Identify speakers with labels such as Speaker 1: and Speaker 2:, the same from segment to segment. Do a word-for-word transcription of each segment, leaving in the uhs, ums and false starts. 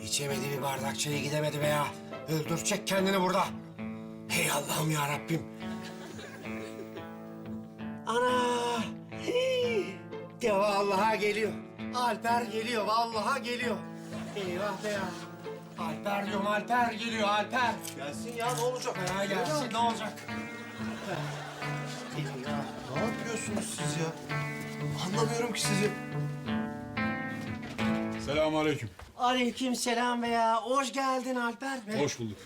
Speaker 1: İçemedi bir bardak çayı gidemedi be ya. Öldürecek kendini burada. Hey Allah'ım ya Rabbim. Ana! Hii! De vallahi geliyor. Alper geliyor, vallahi geliyor. Eyvah be ya. Alper diyorum, Alper geliyor, Alper.
Speaker 2: Gelsin ya, ne olacak?
Speaker 1: Ha, gelsin, ne olacak? Eyvah.
Speaker 2: Ne yapıyorsunuz siz ya? Anlamıyorum ki sizi.
Speaker 3: Selamünaleyküm.
Speaker 1: Aleyküm selam be ya. Hoş geldin Alper be.
Speaker 3: Hoş bulduk.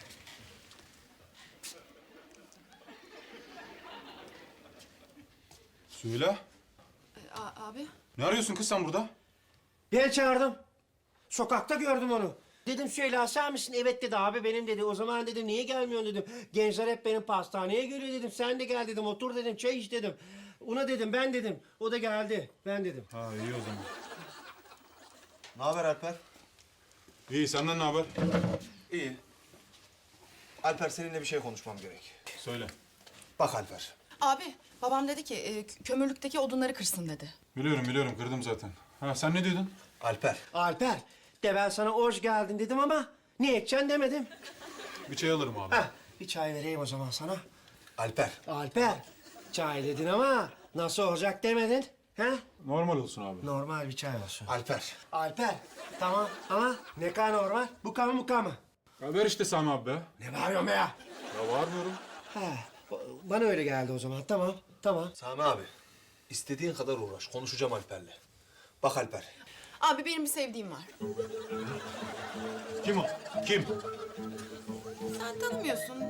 Speaker 3: Söyle.
Speaker 4: A- abi?
Speaker 3: Ne arıyorsun kız sen burada?
Speaker 1: Ben çağırdım. Sokakta gördüm onu. Dedim Süheyla sen misin? Evet dedi abi benim dedi. O zaman dedim niye gelmiyorsun dedim. Gençler hep benim pastaneye geliyor dedim. Sen de gel dedim. Otur dedim. Çay iç dedim. Ona dedim ben dedim. O da geldi. Ben dedim.
Speaker 3: Ha iyi o zaman.
Speaker 2: Ne haber Alper?
Speaker 3: İyi senden ne haber?
Speaker 2: İyi. Alper, seninle bir şey konuşmam gerek.
Speaker 3: Söyle.
Speaker 2: Bak Alper.
Speaker 4: Abi, babam dedi ki e, kö- kömürlükteki odunları kırsın dedi.
Speaker 3: Biliyorum biliyorum kırdım zaten. Ha sen ne diyordun?
Speaker 2: Alper.
Speaker 1: Alper de ben sana hoş geldin dedim ama ne edeceksin demedim.
Speaker 3: Bir çay alırım abi.
Speaker 1: Heh, bir çay vereyim o zaman sana.
Speaker 2: Alper.
Speaker 1: Alper çay dedin ama nasıl olacak demedin. He?
Speaker 3: Normal olsun abi.
Speaker 1: Normal bir çay olsun.
Speaker 2: Alper.
Speaker 1: Alper tamam ama ne kadar normal? Bu kamı bu kamı.
Speaker 3: Ya ver işte Sami abi be.
Speaker 1: Ne bağırıyorsun be ya?
Speaker 3: Ya bağırmıyorum.
Speaker 1: Ha, bana öyle geldi o zaman. Tamam, tamam.
Speaker 2: Sami abi. İstediğin kadar uğraş. Konuşacağım Alper'le. Bak Alper.
Speaker 4: Abi benim bir sevdiğim var.
Speaker 3: Kim o? Kim?
Speaker 4: Sen tanımıyorsun.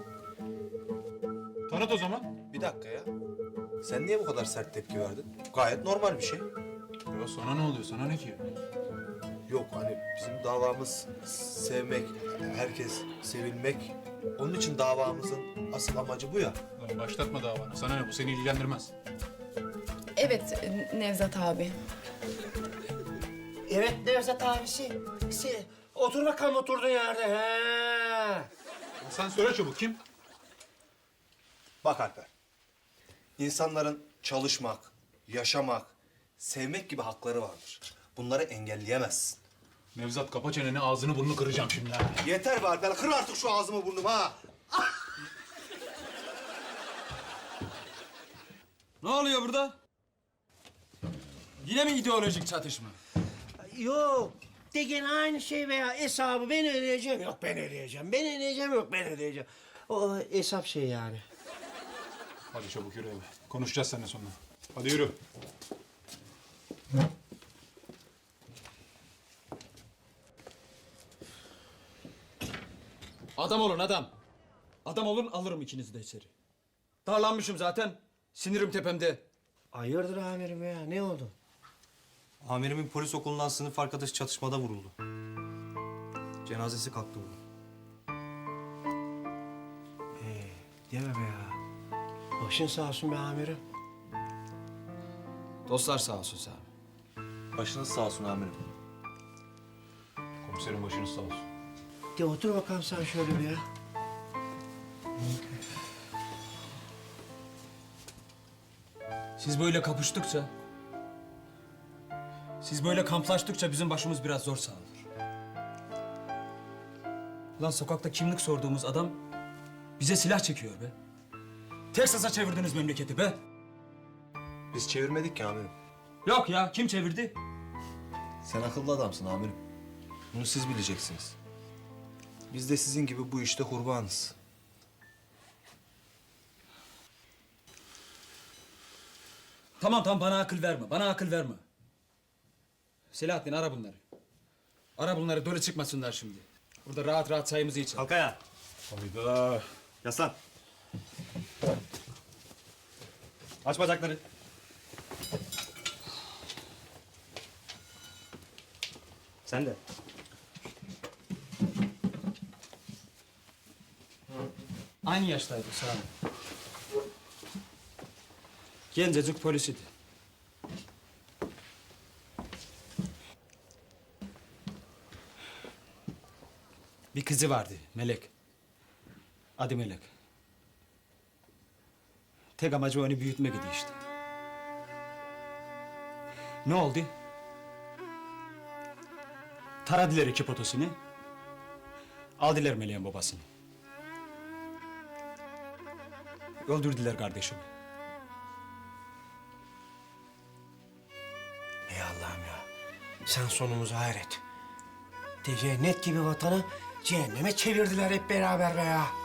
Speaker 3: Tanıt o zaman.
Speaker 2: Bir dakika ya. Sen niye bu kadar sert tepki verdin? Gayet normal bir şey.
Speaker 3: Ya sana ne oluyor? Sana ne ki?
Speaker 2: Yok hani bizim davamız sevmek, herkes sevilmek. Onun için davamızın asıl amacı bu ya.
Speaker 3: Lan başlatma davanı. Sana ne? Bu seni ilgilendirmez.
Speaker 4: Evet, e, Nevzat abi.
Speaker 1: Evet Nevzat abisi. Si, otur bakalım oturduğun yerde. He.
Speaker 3: Ya sen söyle çabuk kim?
Speaker 2: Bak Alper. İnsanların çalışmak, yaşamak, sevmek gibi hakları vardır. Bunları engelleyemezsin.
Speaker 3: Nevzat kapa çeneni ağzını burnunu kıracağım şimdi ha.
Speaker 2: Yeter be Alper. Kır artık şu ağzımı burnumu ha.
Speaker 5: Ne oluyor burada? Yine mi ideolojik çatışma?
Speaker 1: Yok. De gene aynı şey veya hesabı ben ödeyeceğim. Yok ben ödeyeceğim. Ben ödeyeceğim yok ben ödeyeceğim. O hesap şey yani.
Speaker 3: Hadi çabuk yürü eve. Konuşacağız seninle sonra. Hadi yürü.
Speaker 5: Adam olun adam. Adam olun alırım ikinizi de içeri. Darlanmışım zaten. Sinirim tepemde.
Speaker 1: Hayırdır amirim ya ne oldu?
Speaker 6: Amirimin polis okulundan sınıf arkadaşı çatışmada vuruldu. Cenazesi kalktı bugün.
Speaker 1: Ee, deme be ya. Başın sağ olsun be amirim.
Speaker 5: Dostlar sağ olsun Sami.
Speaker 6: Başınız sağ olsun amirim.
Speaker 3: Komiserin başınız sağ olsun.
Speaker 1: De otur bakalım sen şöyle bir ya.
Speaker 5: Siz böyle kapıştıkça... Siz böyle kamplaştıkça bizim başımız biraz zor sağlanır. Lan sokakta kimlik sorduğumuz adam bize silah çekiyor be. Teksas'a çevirdiniz memleketi be.
Speaker 2: Biz çevirmedik ki amirim.
Speaker 5: Yok ya kim çevirdi?
Speaker 2: Sen akıllı adamsın amirim. Bunu siz bileceksiniz. Biz de sizin gibi bu işte kurbanız.
Speaker 5: Tamam tamam bana akıl verme. Bana akıl verme. Selahattin ara bunları. Ara bunları döne çıkmasınlar şimdi. Burada rahat rahat çayımızı içelim.
Speaker 6: Kalk ayağa.
Speaker 3: Hayda.
Speaker 6: Yaslan. Aç bacakları. Sen de.
Speaker 5: Aynı yaştaydı Sami. Gencecik polis idi. Bir kızı vardı, Melek. Adı Melek. Tek amacı onu büyütmek idi işte. Ne oldu? Taradılar iki potosunu. Aldılar Meleğin babasını. Öldürdüler kardeşimi.
Speaker 1: Ey Allah'ım ya. Sen sonumuzu hayret. De cennet gibi vatanı cehenneme çevirdiler hep beraber be ya.